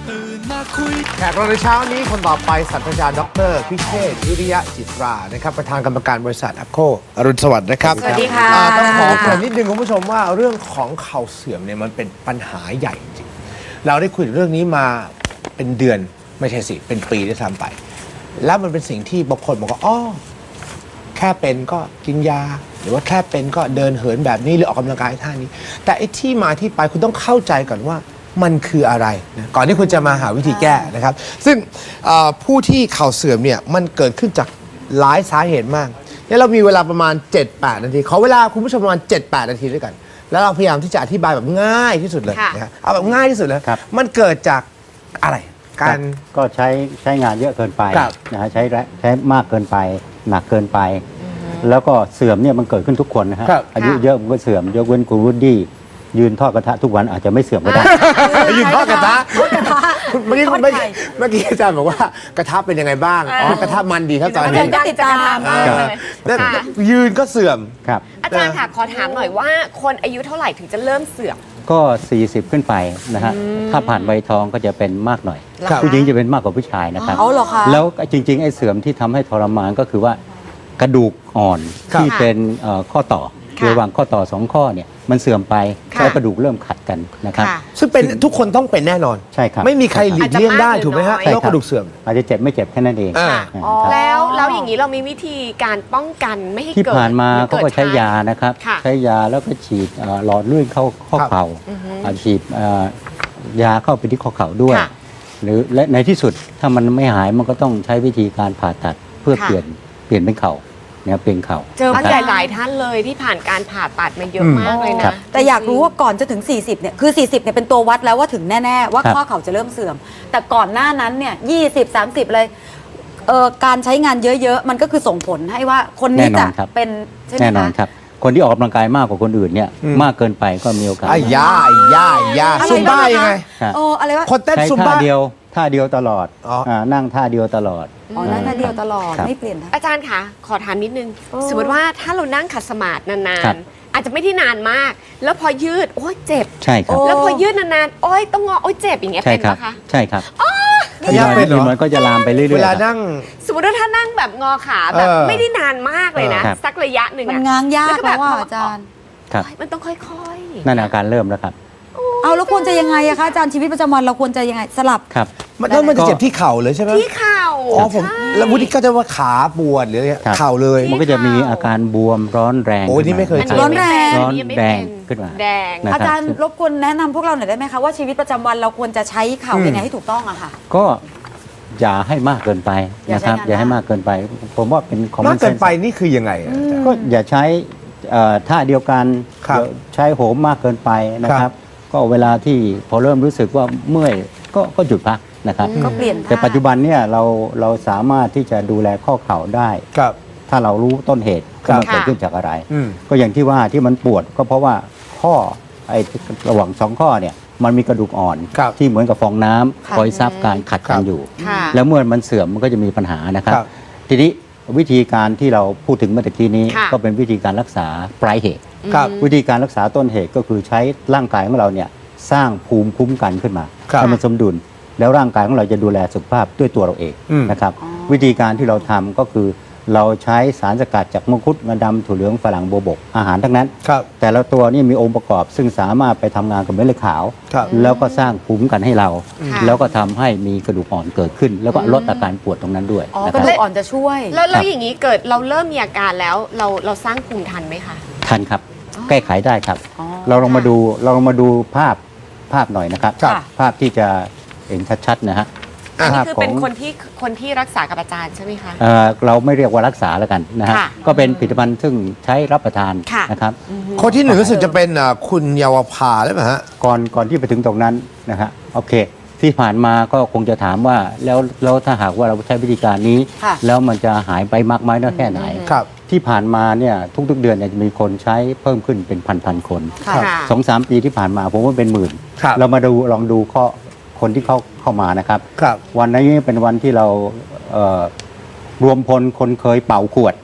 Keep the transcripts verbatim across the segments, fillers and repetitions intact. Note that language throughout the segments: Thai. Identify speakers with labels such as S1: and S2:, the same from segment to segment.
S1: แขกรับในเช้านี้คนต่อไปศาสตราจารย์ดรพิเชษฐ์วิริยะจิตรานะครับประธานกรรมการบริษัทแอปโคอรุณสวัสดิ์นะครับ
S2: สวัสดีค่ะ
S1: ต้องขอเกริ่นนิดนึงคุณผู้ชมว่าเรื่องของเข่าเสื่อมเนี่ยมันเป็นปัญหาใหญ่จริงเราได้คุยเรื่องนี้มาเป็นเดือนไม่ใช่สิเป็นปีด้วยซ้ำไปแล้วมันเป็นสิ่งที่บางคนบอกว่าอ๋อแค่เป็นก็กินยาหรือว่าแค่เป็นก็เดินเหินแบบนี้หรือออกกำลังกายท่านี้แต่ไอ้ที่มาที่ไปคุณต้องเข้าใจก่อนว่ามันคืออะไรนะก่อนที่คุณจะมาหาวิธีแก้นะครับซึ่งผู้ที่เข่าเสื่อมเนี่ยมันเกิดขึ้นจากหลายสาเหตุมากเนี่ยเรามีเวลาประมาณ เจ็ดแปด นาทีขอเวลาคุณผู้ชมประมาณ เจ็ดแปด นาทีด้วยกันแล้วเราพยายามที่จะอธิบายแบบง่ายที่สุดเลยนะเอาแบบง่ายที่สุดเลยมันเกิดจากอะไรการ
S3: ก็ใช้ใช้งานเยอะเกินไปนะฮะใช้ใช้มากเกินไปหนักเกินไปแล้วก็เสื่อมเนี่ยมันเกิดขึ้นทุกคนนะฮะอายุเยอะมันก็เสื่อมยกเว้นคุณวูดดี้ยืนทอดกระทะทุกวันอาจจะไม่เสื่อมก็ได้
S1: ยืนทอดกระทะเมื่อกี้เมื่อกี้เมื่อกี้อาจารย์บอกว่ากระทะเป็นยังไงบ้างอ๋อกระทะมันดีครับตอนนี้
S2: ก็ติดตามมากเลย
S1: ยืนก็เสื่อม
S3: ครับ
S2: อาจารย์ค่ะขอถามหน่อยว่าคนอายุเท่าไหร่ถึงจะเริ่มเสื่อม
S3: ก็สี่สิบขึ้นไปนะฮะถ้าผ่านวัยทองก็จะเป็นมากหน่อยผู้หญิงจะเป็นมากกว่าผู้ชายนะครับแล้วจริงๆไอ้เสื่อมที่ทำให้ทรมานก็คือว่ากระดูกอ่อนที่เป็นข้อต่อระหว่างข้อต่อสองข้อเนี่ยมันเสื่อมไปแล้วกระดูกเริ่มขัดกันนะครับ
S1: ซึ่งเป็นทุกคนต้องเป็นแน่นอน
S3: ใช่ครับ
S1: ไม่มีใครหลีกเลี่ยงได้ถูกไหมฮะโรคกระดูกเสื่อม
S3: อาจจะเจ็บไม่เจ็บแค่นั้นเอง
S2: แล้วแล้วอย่างนี้เรามีวิธีการป้องกันไม่ให้เกิด
S3: ที่ผ่านมาเขาก็ใช้ยานะครับใช้ยาแล้วก็ฉีดหลอดเลือดเข้าข้อเข่าฉีดยาเข้าไปที่ข้อเข่าด้วยหรือและในที่สุดถ้ามันไม่หายมันก็ต้องใช้วิธีการผ่าตัดเพื่อเปลี่ยนเปลี่ยนเป็นเข่าเนี่ยเป็นเข่า
S2: เจอผู้ใหญ่หลายท่านเลยที่ผ่านการผ่าตัดมาเยอะมากเลยนะ
S4: แต่อยากรู้ว่าก่อนจะถึงสี่สิบเนี่ยคือสี่สิบเนี่ยเป็นตัววัดแล้วว่าถึงแน่ๆว่าข้อเข่าจะเริ่มเสื่อมแต่ก่อนหน้านั้นเนี่ยยี่สิบ สามสิบเลยเอ่อการใช้งานเยอะๆมันก็คือส่งผลให้ว่าคนนี้จะเป็นใช่ไหมคะ
S3: แน่นอนครับคนที่ออกกำลังกายมากกว่าคนอื่นเนี่ยมากเกินไปก็มีโอกาส
S1: ไอ้ยาไอ้ยาไอ้ยาซุมบ้ายังไง
S4: โอ้อะไรวะ
S1: คนเต้นซุมบ้า
S3: ท่าเดียวท่าเดียวตลอดนั่งท่าเดียวตลอด
S4: อ๋อนั่งท่าเดียวตลอดไม่เปลี่ยน
S2: อาจารย์คะขอถามนิดนึงสมมติว่าถ้าเรานั่งขัดสมาธินานๆอาจจะไม่ได้นานมากแล้วพอยืดโอ้ยเจ็บ
S3: ใช่ครับ
S2: แล้วพอยืดนานๆโอ้ยต้องงอโอ้ยเจ็บอย่างเงี้ยเป็นไหมคะ
S3: ใช่ครับ
S1: ถ้ายากเป็นเหรอ
S3: มันก็จะลามไปเรื่อยๆ
S1: เวลานั่ง
S2: สมมติว่าถ้านั่งแบบงอขาแบบไม่ได้นานมากเลยนะสักระยะหนึ่ง
S4: มันง้างยากแล้วว่าอาจารย์
S2: มันต้องค่อย
S3: ๆนั่นอาการเริ่มแล้วครับ
S4: เอาแล้วควรจะยังไงอะคะอาจารย์ชีวิตประจำวันเราควรจะยังไงสลับ
S3: ครับ
S1: แล้วมันจะเจ็บที่เข่าเลยใช่ไหม
S2: ที่เข่า
S1: อ๋อผมแล้ววุฒิก็จะว่าขาปวดหรืออะไรเข่าเลย
S3: มันก็จะมีอาการบวมร้อนแรง
S1: โอ้ยนี่ไม่เคยเจอ
S4: ร้อนแรง
S3: ร้อนแดงขึ้นมา
S2: แดง
S4: อาจารย์รบกวนแนะนำพวกเราหน่อยได้ไหมคะว่าชีวิตประจำวันเราควรจะใช้เข่ายังไงให้ถูกต้องอะค่ะ
S3: ก็อย่าให้มากเกินไปนะครับอย่าให้มากเกินไปผมว่าเป็น
S1: ของมากเกินไปนี่คือยังไง
S3: ก็อย่าใช้ท่าเดียวกันใช้โหมมากเกินไปนะครับก็เวลาที่พอเริ่มรู้สึกว่าเมื่อยก็ก็หยุดพักนะครับ
S4: ก็เปลี่ยน
S3: แต่ปัจจุบันเนี่ยเราเราสามารถที่จะดูแลข้อเข่าได้ถ้าเรารู้ต้นเหตุว่ามันเกิดขึ้นจากอะไรก็อย่างที่ว่าที่มันปวดก็เพราะว่าข้อไอ้ระหว่างสองข้อเนี่ยมันมีกระดูกอ่อนที่เหมือนกับฟองน้ำคอยซับการขัดกันอยู่แล้วเมื่อมันเสื่อมมันก็จะมีปัญหานะครับทีนี้วิธีการที่เราพูดถึงเมื่อกี้นี้ก็เป็นวิธีการรักษาปลายเหตุวิธีการรักษาต้นเหตุก็คือใช้ร่างกายของเราเนี่ยสร้างภูมิคุ้มกันขึ้นมาให้มันสมดุลแล้วร่างกายของเราจะดูแลสุขภาพด้วยตัวเราเองนะครับวิธีการที่เราทำก็คือเราใช้สารสกัดจากมังคุดงาดำถั่วเหลืองฝรั่งโบวบกอาหารทั้งนั้นแต่ละตัวนี่มีองค์ประกอบซึ่งสามารถไปทำงานกับเม็ดเลือดขาวแล้วก็สร้างภูมิคุ้มกันให้เราแล้วก็ทำให้มีกระดูกอ่อนเกิดขึ้นแล้วก็ลดอาการปวดตรงนั้นด้วย
S4: กระดูกอ่อนจะช่วย
S2: แล้วแล้วอย่างนี้เกิดเราเริ่มมีอาการแล้วเราเราสร้างภูมิทันไหมคะ
S3: ทันครับแก้ไขได้ครับเราลองมาดูเราลองมาดูภาพภาพหน่อยนะครับภาพที่จะเห็นชัดๆนะฮะ
S2: อันนี้คือเป็นคนที่คนที่รักษากับอาจารย์ใช่ไหมคะ
S3: เเราไม่เรียกว่ารักษาแล้วกันนะฮะก็เป็นผลิตภัณฑ์ซึ่งใช้รับประทานนะครับ
S1: คนที่หนึ่งรู้สึกจะเป็นคุณเยาวภาหรือเปล่าฮะ
S3: ก่อนก่อนที่ไปถึงตรงนั้นนะฮะโอเคที่ผ่านมาก็คงจะถามว่าแล้วแล้วถ้าหากว่าเราใช้วิธีการนี้แล้วมันจะหายไปมากไหมน้อยแค่ไหนที่ผ่านมาเนี่ยทุกๆเดือนเนี่ยจะมีคนใช้เพิ่มขึ้นเป็นพันๆคนสองสามปีที่ผ่านมาผมว่าเป็นหมื่นเรามาดูลองดูข้อคนที่เข้าเข้ามานะครับวันนี้เป็นวันที่เรารวมพลคนเคยเป่าขวด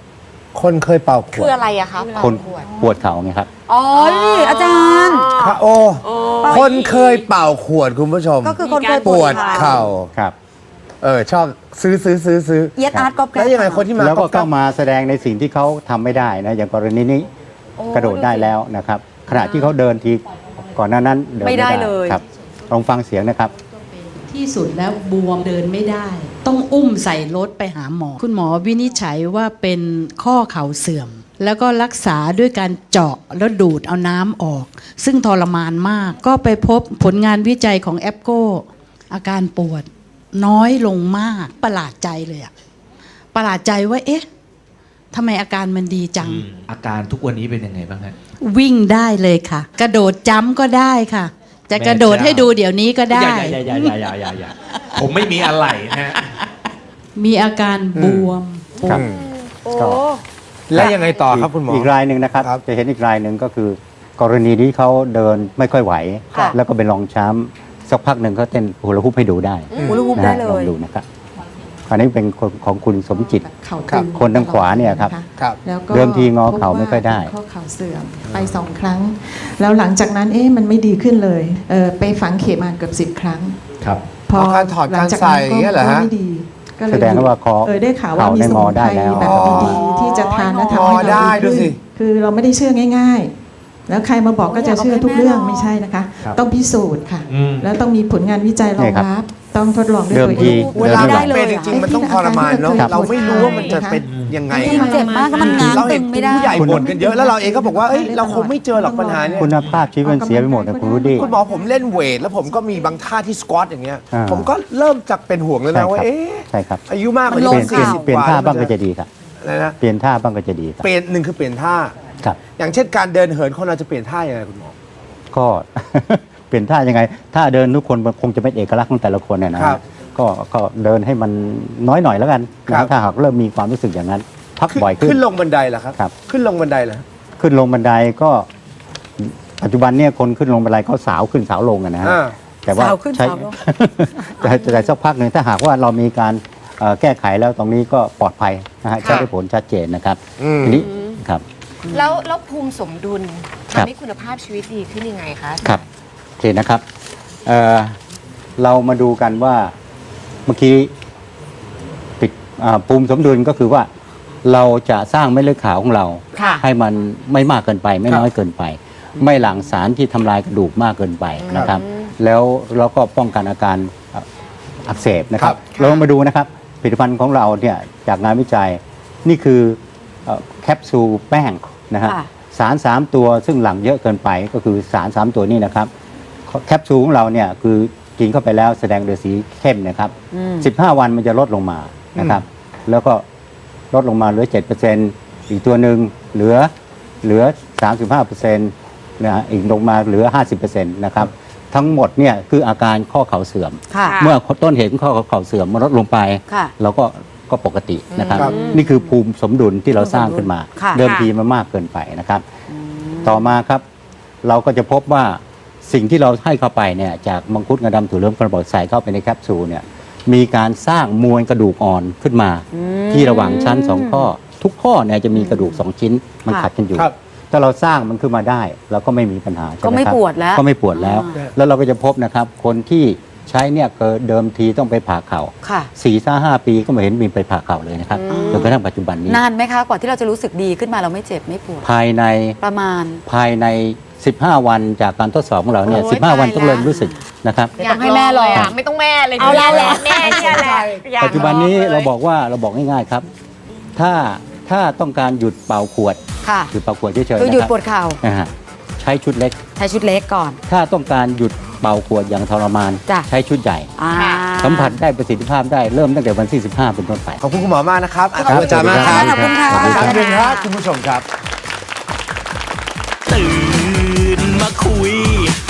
S1: คนเคยเป่าข
S2: คื
S1: ว
S2: อ
S1: ด
S2: อะไรอะคะ
S3: คนปวดเข่าไงครับ
S4: อ๋อนี่อาจารย์
S1: พระโอ คนเคยเป่าขวดคุณผู้ชม
S4: ก็คือคนเคย
S1: ปวดเข่า
S3: ครับ
S1: เออชอบซื้อซื้อซื้อซื้อ
S4: เย็ดอาร์ตก็แก
S1: แล้วยังไงคนที่มา
S3: แล้วก็
S1: บ
S3: เข้ามาแสดงในสิ่งที่เขาทำไม่ได้นะอย่างกรณีนี้กระโดดได้แล้วนะครับขณะที่เขาเดินทีก่อนหน้านั้นเดิน
S4: ไม่
S3: ไม่
S4: ได้
S3: ได้
S4: เลย
S3: ครับลองฟังเสียงนะครับ
S5: ที่สุดแล้วบวมเดินไม่ได้ ต้องอุ้มใส่รถไปหาหมอ คุณหมอวินิจฉัยว่าเป็นข้อเข่าเสื่อม แล้วก็รักษาด้วยการเจาะแล้วดูดเอาน้ำออก ซึ่งทรมานมาก ก็ไปพบผลงานวิจัยของแอปโกอาการปวดน้อยลงมากประหลาดใจเลยอะประหลาดใจว่าเอ๊ะทำไมอาการมันดีจัง
S6: อาการทุกวันนี้เป็นยังไงบ้างฮะ
S5: วิ่งได้เลยค่ะ กระโดดจ้ำก็ได้ค่ะ จะกระโดดให้ดูเดี๋ยวนี้ก็ได้
S6: อย่าอย่าอย่าอย่าอย่าอย่าผมไม่มีอะไรนะฮะ
S5: มีอาการบวมปว
S3: ครั
S5: ด
S3: บ
S2: โอ้
S3: ก็
S1: แล้วยังไงต่อครับคุณหมอ
S3: อีกรายหนึ่งนะครับ
S1: ครับ
S3: จะเห็นอีกรายหนึ่งก็คือ กรณีที่เขาเดินไม่ค่อยไหว
S4: ค่ะ
S3: แล้วก็เป็นรองช้ำสักพักหนึ่งเขาเต้นฮูลาฮูปให้ดูได้
S4: ฮูลาฮูป
S3: นะ
S4: ได้
S3: ฮะ
S4: เล
S3: ลอง
S4: ย
S3: ดูนะครับอันนี้เป็นคนของคุณสมจิต
S7: เข่า
S1: ครั
S7: ตึ
S1: บ
S7: ง
S3: คนทางขวาเนี่ยครับ
S1: ครับ
S7: แล้วก็
S3: เดิมทีงอเข่าไม่ค่อยได้
S7: พบว่าเป็นข้อเข่าเสื่อมไปสองครั้ง แล้วหลังจากนั้นเอ๊ะมันไม่ดีขึ้นเลยเออไปฝังเข็มมาเกือบสิบครั้ง
S6: ครับ
S7: พอ
S1: อ๋อการถอด
S7: หลังจาก
S1: การใส่
S7: นั้น
S1: อย่างเงี้ยเหรอฮะ
S7: ก็ไม่ดีก็เลย
S3: แสดงว่าคอ
S7: เออได้ข่าวว่า
S3: เข่า
S7: มี
S3: ได้
S7: ส
S3: ง
S7: มุ
S3: อน
S7: ไพ
S3: ได้
S7: ร
S3: แล้ว
S7: แบบ
S1: อ๋อ
S7: ดีๆที่จะทานและ
S1: อ๋
S7: ทำ
S1: อ
S7: ให้
S1: ได้
S7: เรา
S1: ดู
S7: ดี
S1: สิ
S7: ขึ้นคือเราไม่ได้เชื่อง่าย ๆ แล้วใครมาบอกก็จะเชื่อทุกเรื่องไม่ใช่นะคะ
S6: ครับ
S7: ต้องพิสูจน์ค่ะ
S6: อืม
S7: แล้วต้องมีผลงานวิจัยรองรับต้องทดลองด้วย
S3: เดิม
S7: ตัว
S3: ที
S7: เอง
S1: เวลา
S3: เดิน
S1: เรา
S3: ไม่ไหว
S1: เป็นจริงๆมันต้องทรมานเนาะ
S7: ครับ
S1: เราไม่รู้ว่ามันจะเป็นยังไง
S4: มันเจ็บมากก็มันง้าง
S1: เรา
S4: ตึ
S1: เห็น
S4: งไม่ได้
S1: ผู้ใหญ่บ่นกันเยอะแล้วเราเองก็บอกว่าเอ้ยเราคงไม่เจอหรอกปัญหาเนี่ย
S3: คุณภาพชีวิตมันเสียไปหมดนะคุณรุดี้
S1: คุณหมอผมเล่นเวท แล้วผมก็มีบางท่าที่สควอตอย่างเงี้ย
S3: อ่า
S1: ผมก็เริ่มจากเป็นห่วงแล้ว
S3: ใช่
S1: นะว่า
S3: ครับ
S1: เอ๊ะ
S3: ใช่ครับ
S1: อายุมากกว่า
S4: มันล
S3: เป
S4: ง
S3: ลี่ยนเปลี่ยน
S4: ข่าว
S3: เปลี่ยนท่าบ้างก็จะดีครับ
S1: อะไรนะ
S3: เปลี่ยนท่าบ้างก็จะดีครับ
S1: เปลี่ยนหนึ่งคือเปลี่ยนท่า
S3: ครับ
S1: อย่างเช่นการเดินเหินคนเราจะเปลี่ยนท่ายังไงคุณหมอ
S3: ก็ เปลี่ยนท่ายังไงท่าเดินทุกคนมันคงจะเป็นเอกลักษณ์ของแต่ละคนเนี่ยนะครับ ก็ก็เดินให้มันน้อยหน่อยแล้วกัน
S1: ครั
S3: นะ
S1: บ
S3: ถ้าหากเริ่มมีความรู้สึกอย่างนั้น พักบ่อยขึ้น
S1: ขึ้นลงบันไดเหรอครับ
S3: ครับ
S1: ขึ้นลงบันไดเหรอ
S3: ขึ้นลงบันไดก็ปัจจุบันเนี่ยคนขึ้นลงบันไดก็สาวขึ้นสาวลงอะนะฮะ
S1: อ่า
S3: แต่ว่า
S4: สาวขึ้น
S3: ใช้
S4: สาวลง
S3: แต่แต่สักพักหนึ่งถ้าหากว่าเรามีการเอ่อแก้ไขแล้วตรงนี้ก็ปลอดภัยนะฮะ
S1: ครับ
S3: ใช้ได้ผลชัดเจนนะครับ
S1: อืม
S3: ทีนี้ครับ
S2: แล้วแล้วภูมิสมดุล
S3: ครับ
S2: ทำให้คุณภาพชีวิตดีขึ้นยังไงคะ
S3: ครับโอเคนะครับเอ่อเรามาดูกันว่าเมื่อกี้ปิดอ่าภูมิสมดุลก็คือว่าเราจะสร้างเม็ดเลือดขาวของเรา
S2: ค่ะ
S3: ให้มันไม่มากเกินไป ไม่
S1: ครับ
S3: น้อยเกินไป ไม่หลั่งสารที่ทำลายกระดูกมากเกินไปนะครับ แล้วเราก็ป้องกันอาการอ่ะอักเสบนะครับ
S1: ครับ
S3: เรามาดูนะครับผลิตภัณฑ์ของเราเนี่ยจากงานวิจัยนี่คือเอ่อแคปซูลแป้งนะฮะ
S4: ค่ะ
S3: สารสามตัวซึ่งหลั่งเยอะเกินไปก็คือสารสามตัวนี้นะครับแคปซูลของเราเนี่ยคือกินเข้าไปแล้วแสดงโดยสีเข้มนะครับ
S4: อืม
S3: สิบห้าวันมันจะลดลงมานะครับ แล้วก็ลดลงมาเหลือ เจ็ดเปอร์เซ็นต์ อีกตัวหนึ่งเหลือเหลือ สามสิบห้าเปอร์เซ็นต์ นะฮะอีกลงมาเหลือ ห้าสิบเปอร์เซ็นต์ นะครับ ทั้งหมดเนี่ยคืออาการข้อเข่าเสื่อม
S4: ค่ะ
S3: เมื่อต้นเหตุของข้อเข่าเสื่อมมันลดลงไป
S4: ค่ะ
S3: เราก็ก็ปกตินะครับ
S1: ครับ
S3: นี่คือภูมิสมดุลที่เราสร้างขึ้นมา
S4: ค่ะ
S3: เดิมทีมันมากเกินไปนะครับ ต่อมาครับ เราก็จะพบว่าสิ่งที่เราให้เข้าไปเนี่ยจากมังคุดงาดำถั่วเหลืองกระบอกใส่เข้าไปในแคปซูลเนี่ยมีการสร้างมวลกระดูกอ่อนขึ้นมา ที่ระหว่างชั้นสองข้อ ทุกข้อเนี่ยจะมีกระดูกสองชิ้นมัน
S4: ค่ะ
S3: ขัดกันอยู่
S1: ครับ
S3: ถ้าเราสร้างมันขึ้นมาได้เราก็ไม่มีปัญหาใช่
S4: ก็
S3: ไหม
S4: ไม่
S3: ครับ
S4: ปวดแล้ว
S3: ก็ไม่ปวดแล้ว แล้วเราก็จะพบนะครับ คนที่ใช้เนี่ยเกิดเดิมทีต้องไปผ่าเข่า
S4: ค่ะ
S3: สี่ห้าห้าปีก็ไม่เห็นมีไปผ่าเข่าเลยนะครับจนกระทั่งปัจจุบันนี้
S4: นานไหมคะกว่าที่เราจะรู้สึกดีขึ้นมาเราไม่เจ็บไม่ปวด
S3: ภายใน
S4: ประมาณ
S3: ภายใน สิบห้า วันจากการทดสอบของเราเนี่ย
S2: โอ้ย
S3: สิบห้า วัน
S2: ตาย
S3: ต้องเริ่ม
S2: แล้ว
S3: รู้สึกนะครับ
S2: อยากให้แม่ลองอะไม่ต้องแม่เลย
S4: เอาเราเหรอ
S2: แม่เนี่ยแหละอยาก
S3: ปัจจุบันนี้
S2: ลงลย
S3: เราบอกว่าเราบอกง่ายๆครับ ถ้าถ้าต้องการหยุดเป่าขวด
S4: ค่ะ
S3: หยุดเป่าขวดเฉยๆ
S4: คือหยุด
S3: นะครับ
S4: ปวดเข่า
S3: นะฮะใช้ชุดเล็ก
S4: ใช้ชุดเล็กก่อน
S3: ถ้าต้องการหยุดเป่าขวดอย่างทรมาน
S4: จ้ะ
S3: ใช้ชุดใหญ่
S4: อ่า
S3: สัมผัสได้ประสิทธิภาพได้เริ่มตั้งแต่วันที่สิบห้าเป็นต้นไป
S1: ขอบคุณคุณหมอมากนะครับขอบ
S3: ครั
S1: คุ
S3: บ
S1: ณอาจารย์มากครับ
S4: ขอบคุณค่ะ
S3: ขอบคุณครับ
S1: ขอบคุณครับคุณผู้ชมครับ
S8: ตื่นมาคุย